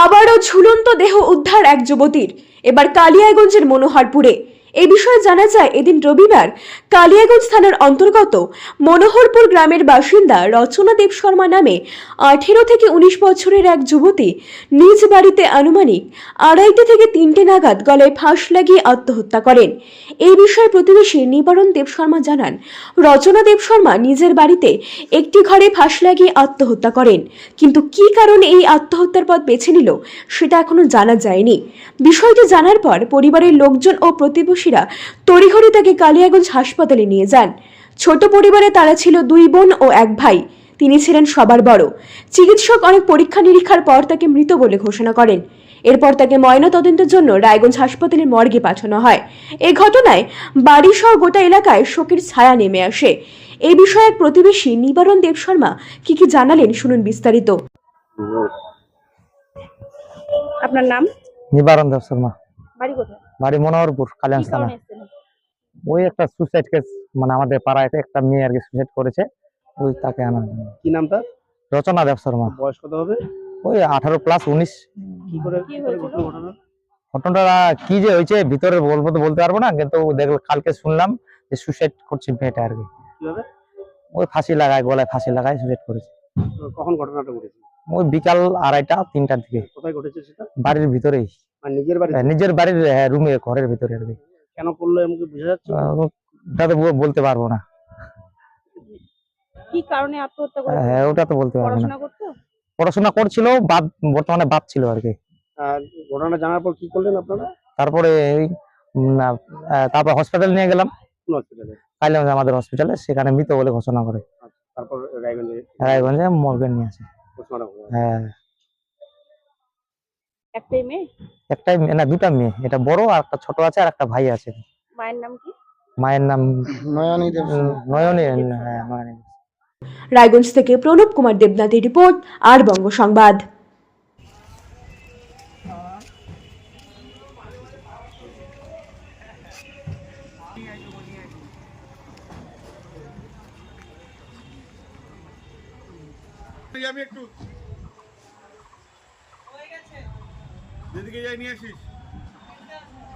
আবারও ঝুলন্ত দেহ উদ্ধার এক যুবতীর, এবার কালিয়াগঞ্জের মনোহরপুরে। এই বিষয়ে জানা যায়, এদিন রবিবার কালিয়াগঞ্জ থানার অন্তর্গত মনোহরপুর গ্রামের বাসিন্দা রচনা দেব শর্মা নামে 18 থেকে 19 বছরের এক যুবতী নিজ বাড়িতে আনুমানিক 2:30 থেকে 3টে নাগাদ গলায় ফাঁস লাগিয়ে আত্মহত্যা করেন। এই বিষয়ে প্রতিবেশী নিবারণ দেব শর্মা জানান, রচনা দেব শর্মা নিজের বাড়িতে একটি ঘরে ফাঁস লাগিয়ে আত্মহত্যা করেন, কিন্তু কী কারণে এই আত্মহত্যার পথ বেছে নিল সেটা এখনো জানা যায়নি। বিষয়টি জানার পর পরিবারের লোকজন ও প্রতিবেশীরা তড়িঘড়ি তাকে কালিয়াগঞ্জ হাসপাতালে নিয়ে যান। ছোট পরিবারে তারা ছিল 2 বোন ও 1 ভাই। তিনি ছিলেন সবার বড়। চিকিৎসক অনেক পরীক্ষা নিরীক্ষার পর তাকে মৃত বলে ঘোষণা করেন। এরপর তাকে ময়নাতদন্তের জন্য রায়গঞ্জ হাসপাতালের মর্গে পাঠানো হয়। এই ঘটনায় বাড়িসহ গোটা এলাকায় শোকের ছায়া নেমে আসে। এই বিষয়ে এক প্রতিবেশী নিবারণ দেব শর্মা কি জানালেন, শুনুন বিস্তারিত। আপনার নাম? নিবারণ দেব শর্মা। বাড়ি কোথায়? বাড়ি মনোহরপুর, কালিয়াগঞ্জ থানা। ওই একটা সুসাইড কেস, মানে আমাদের পাড়ায় একটা মেয়ে আর কি সুসাইড করেছে, ওই তাকে আনা। কি নাম তার? রচনা দেব শর্মা। বয়স কত হবে? ওই 18 প্লাস 19। কি করে ঘটনা? ঘটনাটা কি যে হয়েছে ভিতরে বলবো তো বলতে পারবো না, কিন্তু দেখলো কালকে শুনলাম যে সুসাইড করছে মেয়েটা আর কি। কিভাবে? ওই ফাঁসি লাগায়, গলায় ফাঁসি লাগায় সুসাইড করেছে। কখন ঘটনাটা ঘটেছে? ওই বিকাল 2:30-3টার দিকে। কোথায় ঘটেছে সেটা? বাড়ির ভিতরেই, মানে নিজের বাড়ি? নিজের বাড়ির রুমে, ঘরের ভিতরে আর কি। কেন করলো এমন কি বোঝা যাচ্ছে? ওটা তো বলতে পারবো না। কি কারণে আত্মহত্যা করেছে? হ্যাঁ, ওটা তো বলতে পারবো না। পড়াশোনা করতো? পড়াশোনা করছিল, বর্তমানে বাদ ছিল আর কি। আর ঘটনা জানার পর কি করলেন আপনারা? তারপরে তারপর হসপিটাল নিয়ে গেলাম, কোন হসপিটালে? কালিয়াগঞ্জ আমাদের হসপিটালে, সেখানে মৃত বলে ঘোষণা করে। তারপর রায়গঞ্জে মর্গে নিয়ে আসে। হ্যাঁ, একটাই মেয়ে? একটাই না, 2টা মেয়ে। এটা বড়, আর একটা ছোট আছে, আর একটা ভাই আছে। মায়ের নাম কি? মায়ের নাম নয়নী দেব। নয়নী। হ্যাঁ, নয়নী। রায়গঞ্জ থেকে প্রণব কুমার দেবনাথের রিপোর্ট, আর বঙ্গ সংবাদ। আমি একটু দিদিকে যাই নিয়ে আসিস।